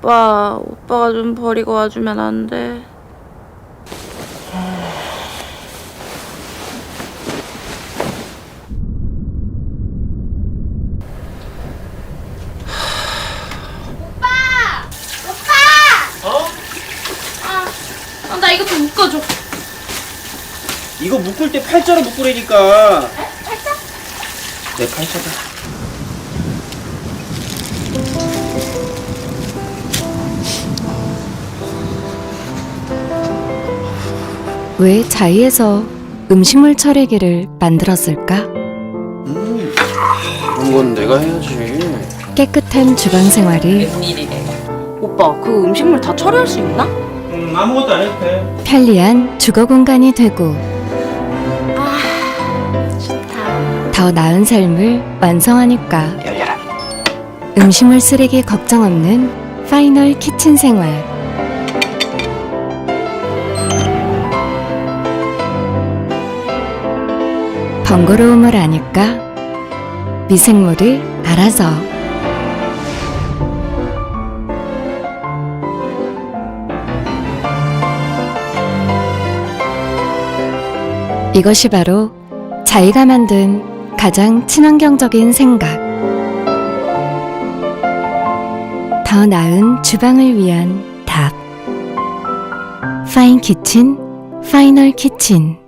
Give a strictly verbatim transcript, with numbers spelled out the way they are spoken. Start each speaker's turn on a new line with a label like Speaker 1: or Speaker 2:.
Speaker 1: 오빠, 오빠가 좀 버리고 와주면 안 돼?
Speaker 2: 어?
Speaker 1: 아, 나 이거 좀 묶어줘.
Speaker 2: 이거 묶을 때 팔자로 묶으라니까.
Speaker 1: 에? 팔자?
Speaker 2: 내 팔자다.
Speaker 3: 왜 자이에서 음식물 처리기를 만들었을까?
Speaker 2: 음, 그런 건 내가 해야지.
Speaker 3: 깨끗한 주방 생활이
Speaker 1: 웬일이래. 오빠, 그 음식물 다 처리할 수 있나?
Speaker 2: 음, 아무것도 안 해도 돼.
Speaker 3: 편리한 주거 공간이 되고
Speaker 1: 아, 좋다.
Speaker 3: 더 나은 삶을 완성하니까
Speaker 2: 열려라.
Speaker 3: 음식물 쓰레기 걱정 없는 파이널 키친 생활. 번거로움을 아니까 미생물이 알아서. 이것이 바로 자이가 만든 가장 친환경적인 생각. 더 나은 주방을 위한 답. 파인 키친, 파이널 키친.